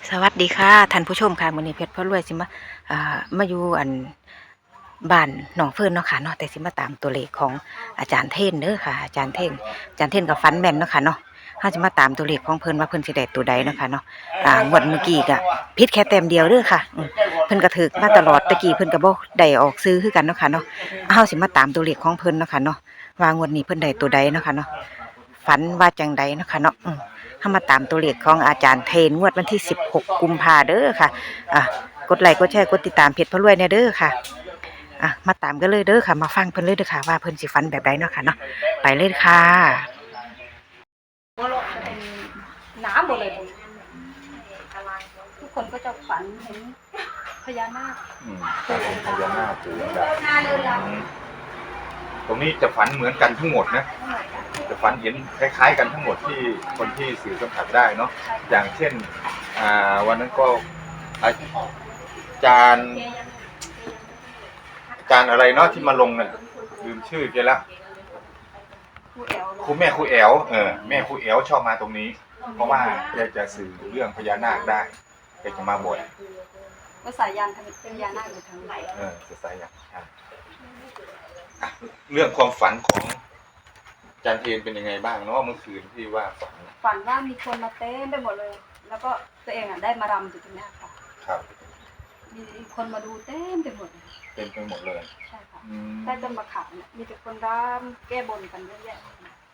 สวัสดีค่ะท่านผู้ชมค่ะมื้อนี้เพชรพารวยสิมามาอยู่บ้านหนองเฟิร์นเนาะค่ะเนาะแต่สิมาตามตัวเลขของอาจารย์เท่นเด้อค่ะอาจารย์เท่นกับฟันแม่นเนาะค่ะเนาะเฮาจะมาตามตัวเลขของเพิ่นว่าเพิ่นสิได้ตัวใดเนาะค่ะเนาะงวดเมื่อกี้ก็ผิดแค่แต้มเดียวเด้อค่ะเพิ่นก็ถูกมาตลอดตะกี้เพิ่นก็บ่ได้ออกซื้อคือกันเนาะค่ะเนาะเฮาสิมาตามตัวเลขของเพิ่นเนาะค่ะเนาะว่างวดนี้เพิ่นได้ตัวใดเนาะค่ะเนาะฝันว่าจังใดเนาะค่ะเนาะเข้ามาตามตัวเลขของอาจารย์เทนงวดวันที่16กุมภาเด้อค่ะกดไลค์กดแชร์กดติดตามเพจพระรวยเนี่ยเด้อค่ะมาตามกันเลยเด้อค่ะมาฟังเพิ่นเลยเด้อค่ะว่าเพิ่นสิฟันแบบใดเนาะค่ะเนาะไปเลยค่ะเป็นน้ำหมดเลยทุกคนก็จะฝันเห็นพญานาคฝันเห็นพญานาคปู่แบบตรงนี้จะฝันเหมือนกันทั้งหมดนะจะฝันเห็นคล้ายๆกันทั้งหมดที่คนที่สื่อสัมผัสได้เนาะอย่างเช่นวันนั้นก็อาจารย์อะไรเนาะที่มาลงเนี่ยลืมชื่อแกแล้วครูแม่ครูแอ๋วแม่ครูแอ๋วชอบมาตรงนี้เพราะว่าแกจะสื่อเรื่องพญานาคได้แกจะมาบ่อยก็สายยานพญานาคอยู่ทางไหนจะสายยันเรื่องความฝันของอาจารย์เทนเป็นยังไงบ้างเนาะเมื่อคืนที่ว่าฝันว่ามีคนมาเต้นไปหมดเลยแล้วก็ตัวเองได้มารำอยู่ตรงนี้ค่ะครับมีคนมาดูเต้นไปหมดเต็มไปหมดเลยใช่ค่ะใต้ต้นมะขามเนี่ยมีแต่คนรำแก้บนกันเยอะแยะ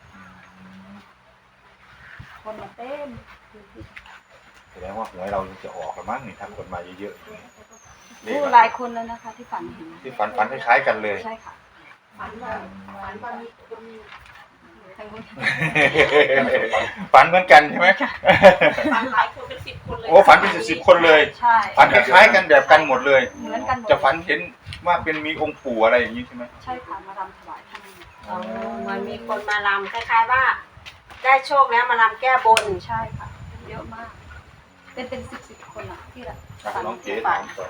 คนมาเต้นแสดงว่าหวยเราจะออกกันมั้งนี่ถ้าคนมาเยอะๆหลายคนแล้วนะคะที่ฝันเห็นที่ฝันคล้ายๆกันเลยใช่ค่ะฝันว่ามีคนฝันเหมือนกันใช่ไหมฝันหลายคนเป็น10 คนเลยโอ้ฝันเป็น10 คนเลยใช่ฝันคล้ายๆกันแบบกันหมดเลยเหมือนกันจะฝันเห็นว่าเป็นมีองค์ปู่อะไรอย่างนี้ใช่ไหมใช่ค่ะมารำถวายท่านเหมือนมีคนมารำคล้ายๆว่าได้โชคแล้วมารำแก้บนใช่ค่ะเยอะมากเป็น10 คนอ่ะที่ละน้องเก๋ถามต่อ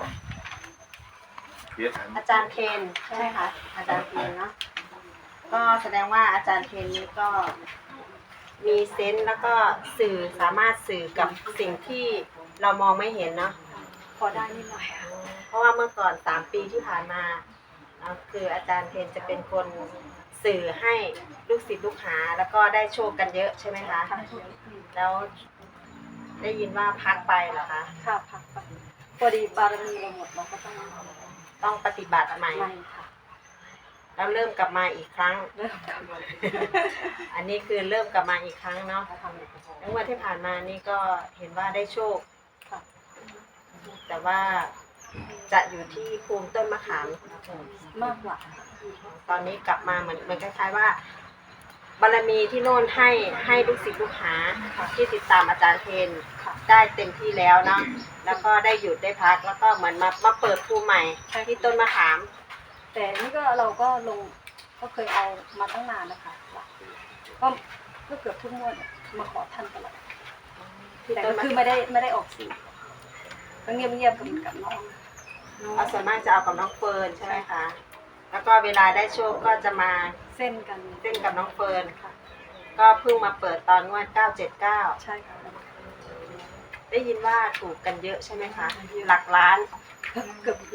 อาจารย์เคนใช่ไหมคะอาจารย์เคนเนาะก็แสดงว่าอาจารย์เคนนี้ก็มีเซนส์แล้วก็สื่อสามารถสื่อกับสิ่งที่เรามองไม่เห็นเนาะพอได้นิดหน่อยเพราะว่าเมื่อก่อน3 ปีที่ผ่านมาคืออาจารย์เคนจะเป็นคนสื่อให้ลูกศิษย์ลูกหาแล้วก็ได้โชคกันเยอะใช่ไหมคะแล้วได้ยินว่าพักไปเหรอคะค่ะพักไปพอดีบารมีเราหมดเราก็ต้องปฏิบัติใหม่ค่ะแล้วเริ่มกลับมาอีกครั้งอันนี้คือเริ่มกลับมาอีกครั้งเนาะแล้ววันที่ผ่านมานี่ก็เห็นว่าได้โชคแต่ว่าจะอยู่ที่ภูมิต้นมะขามมากกว่าตอนนี้กลับมาเหมือนคล้ายๆว่าบารมีที่โน่นให้ลูกศิษย์ลูกหาที่ติดตามอาจารย์เทนได้เต็มที่แล้วเนาะแล้วก็ได้หยุดได้พักแล้วก็เหมือนมาเปิดภูมิใหม่ที่ต้นมะขามแต่นี่ก็เราก็ลงก็เคยเอามาตั้งนานนะคะก็เกือบทุกงวดมาขอท่านตลอดแต่ก็คือไม่ได้ออกสื่อก็เงียบๆกับน้องเอาส่วนมากจะเอากับน้องเฟิร์นใช่ไหมคะแล้วก็เวลาได้โชคก็จะมาเส้นกับน้องเฟิร์นค่ะก็เพิ่งมาเปิดตอนงวด979 ใช่ค่ะได้ยินว่าถูกกันเยอะใช่ไหมคะหลักล้านเกือบ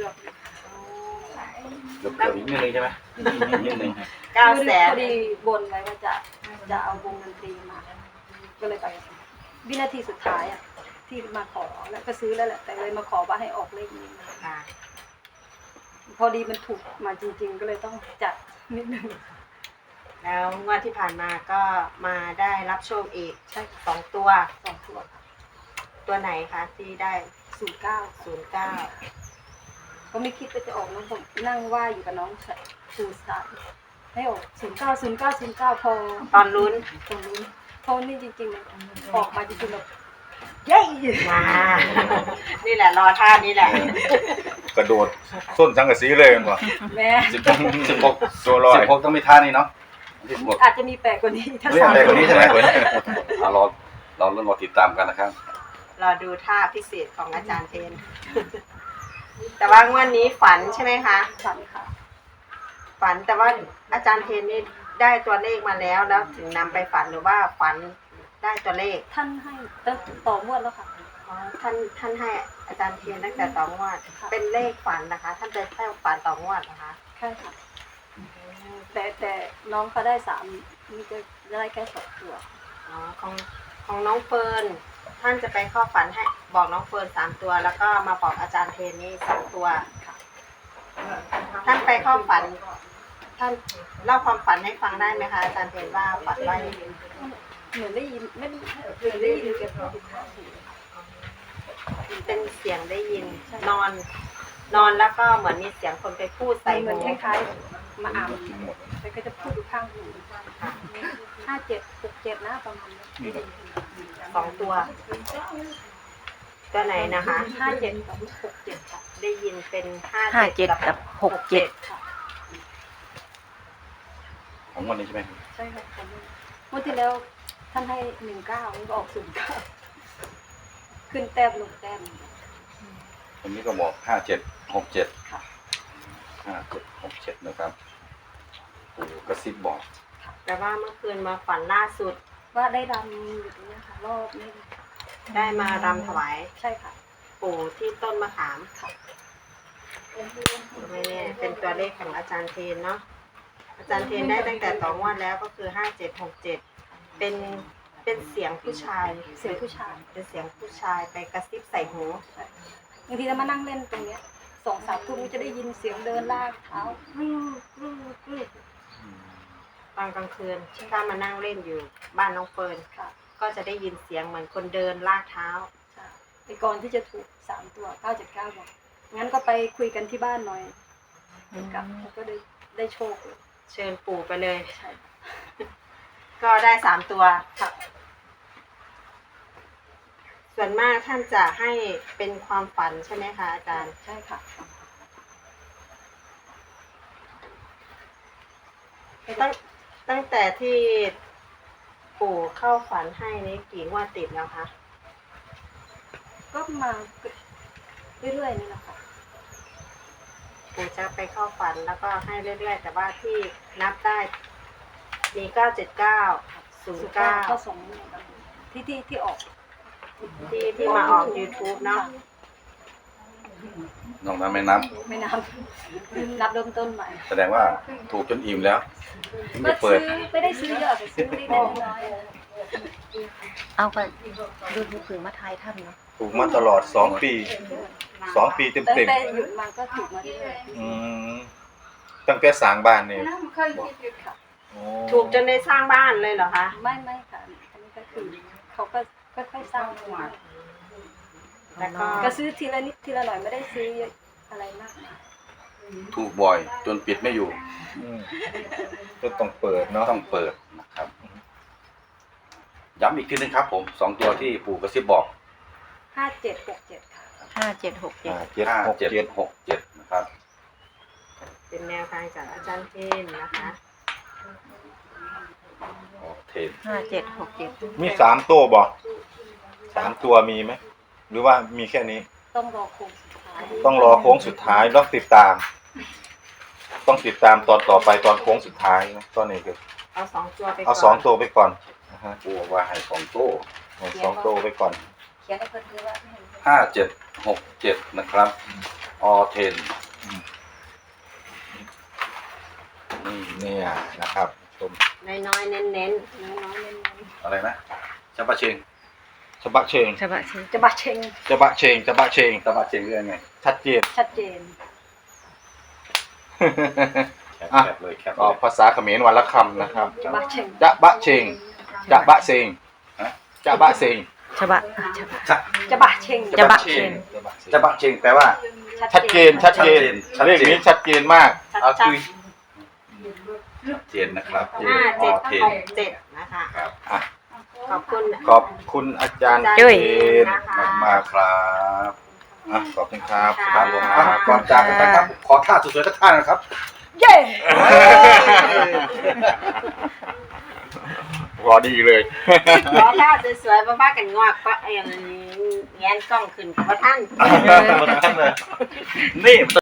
อีกนิดนึงใช่ไหมนิดนึง 900,000 พอดีบนไว้ว่าจะเอาวงดนตรีมาก็เลยไปวินาทีสุดท้ายที่มาขอแล้วก็ซื้อแล้วแหละแต่เลยมาขอว่าให้ออกเลขนี้พอดีมันถูกมาจริงๆก็เลยต้องจัดนิดนึงแล้วงวดที่ผ่านมาก็มาได้รับโชคอีกใช่ 2 ตัวตัวไหนคะที่ได้ 09ก็ไม่คิดว่าจะออกน้องผมนั่งว่าอยู่กับน้องสูสายให้ออก09พอตอนลุ้นพอนี่จริงๆออกมาจริงๆแบบเย้นี่แหละรอท่านี้แหละกระโดดส้นสังกะสีเลยมั้งแม่ 16ตัวร้อย16ต้องมีท่านี้เนาะอาจจะมีแปลกกว่านี้ถ้าแปลกกว่านี้ใช่ไหมเราเริ่มรอติดตามกันนะครับรอดูท่าพิเศษของอาจารย์เทนแต่ว่างวดนี้ฝันใช่ไหมคะฝันค่ะฝันแต่ว่าอาจารย์เทนนี่ได้ตัวเลขมาแล้วถึงนำไปฝันหรือว่าฝันได้ตัวเลขท่านให้ต่องวดแล้วค่ะอ๋อท่านให้อาจารย์เทียนตั้งแต่ต่องวดเป็นเลขฝันนะคะ ท่านจะให้ฝันต่องวดนะคะใช่ค่ะแต่น้องเขาได้3มีจะได้แค่2ตัวอ๋อของน้องเฟิร์นท่านจะไปเข้าฝันให้บอกน้องเฟิร์น3 ตัว แล้วก็มาบอกอาจารย์เทนนี่2 ตัวค่ะท่านไปเข้าฝัน ท่านเล่าความฝันให้ฟังได้ไหมคะอาจารย์เทนว่าฝันว่ายังไงเหมือนได้ยินไม่ได้เหมือนได้ยินแกพูดข้างหูเป็นเสียงได้ยินนอนแล้วก็เหมือนมีเสียงคนไปพูดใส่เหมืหูอนคล้ายๆมาอ่านแต่ก็จะพูดอยู่ข้างหู57 67นะประมาณนี้ 2 ตัวตัวไหนนะคะ 57กับ67ค่ะได้ยินเป็น 57กับ67 ค่ะของวันนี้ใช่ไหมใช่ค่ะผมเมื่อที่แล้วท่านให้19มันก็ออก09ขึ้นแต้มลงแต้มวันนี้ก็บอก5767 ค่ะ 5767นะครับปู่กระซิบบอกแต่ว่าเมื่อคืนมาฝันล่าสุดว่าได้รำอยู่ตรงนี้ค่ะรอบนี้ได้มารำถวายใช่ค่ะปู่ที่ต้นมะขามค่ะไม่แน่เป็นตัวเลขของอาจารย์เทนเนาะอาจารย์เทนได้ตั้งแต่2 งวดแล้วก็คือ5767เป็นเสียงผู้ชายเสียงผู้ชายเป็นเสียงผู้ชายไปกระซิบใส่หูบางทีเรามานั่งเล่นตรงเนี้ย2-3 ทุ่มจะได้ยินเสียงเดินลากเท้ารึกตอนกลางคืนถ้ามานั่งเล่นอยู่บ้านน้องเฟิร์นค่ะก็จะได้ยินเสียงเหมือนคนเดินลากเท้าใช่ไปก่อนที่จะถูก3 ตัว979บอกงั้นก็ไปคุยกันที่บ้านหน่อยกับแล้วก็ได้โชคเลยเชิญปู่ไปเลยใช่ก็ได้3 ตัวค่ะส่วนมากท่านจะให้เป็นความฝันใช่ไหมคะอาจารย์ใช่ค่ะตั้งแต่ที่ปู่เข้าฝันให้นี่กี่งวดติดแล้วคะก็มาเรื่อยๆนี่แหละค่ะปู่จะไปเข้าฝันแล้วก็ให้เรื่อยๆ แต่ว่าที่นับได้มี979 ก็ 09 ส่งที่ออกที่มาออก YouTube เนาะน้องนั้นไม่นับไม่นับเริ่มต้นใหม่แสดงว่าถูกจนอิ่มแล้วถึงก็จะเปิซื้ดอไม่ได้ซื้อเยอะแต่ซื้อเล็กๆน้อยเอาไปดูผือมาทายถ้ำเนาะถูกมาตลอด2 ปี2 ปีๆเต็มตั้งเต็มแต่หยุดมาก็ถูกมาเรื่อยตั้งแต่สร้างบ้านนี่ๆค่ะโอ้ถูกจนได้สร้างบ้านเลยเหรอคะไม่ค่ะอันนี้ก็คือเขาก็ค่อยๆสร้างขึ้นมาแล้วก็ก็ซื้อทีละนิดทีละหน่อยไม่ได้ซื้อเยอะอะไรมากมายถูกบ่อยจนปิดไม่อยู่ก็ต้องเปิดเนาะต้องเปิดนะครับ ย้ำอีกทีนึงครับผม2 ตัวที่ปู่กระซิบบอก 5767ค่ะ 5767 5767นะครับเป็นแนวทางจากอาจารย์เทนนะคะโอเค 5767 มี3 ตัวบ่3 ตัวมีไหมหรือว่ามีแค่นี้ต้องรอโค้งสุดท้ายต้องรอโค้งสุดท้ายต้องติดตาม ต้องติดตามตอนต่อไปตอนโค้งสุดท้ายนะตอนนี้คือเอา2 ตัวไปก่อนเอา2 ตัวไปก่อนนะฮะปู่บอกว่าให้2 ตัวเอา2 ตัวไปก่อนเขียนให้เพิ่นคือว่า 5767นะครับออเทนนี่เนี่ยนะครับชมน้อยๆเน้นน้อยๆเน้นอะไรนะจับะเชงฉบะเชงฉบับชื่อๆจะบะเชงฉบะเชงฉบะเชงจับะเชงเรื่องไงชัดเจนชัดเจนแคบเลยแคบก็เลยภาษาเขมรวันละคำนะครับจะบะเชงจะบะเชงจะบะเซงจะบะเซงฉบับจะบะเชงจะบะเชงจับะเชงแปลว่าชัดเจนชัดเจนชัดเจนเลขนี้ชัดเจนมากเอาคือชัดเจนนะครับออเทน 57นะคะครับอ่ะขอบคุณขอบคุณอาจารย์จุ้ยเจนนะคะมากครับๆอ่ะขอบคุณครับครับผมอ่ะก่อนจากกันไปครับ ขอท่าสวยๆสักท่านะครับเย้รอดีเลยขอท่าสวยๆบ้าๆกันงอกก็แงนกล้องขึ้นกับว่าท่านนี่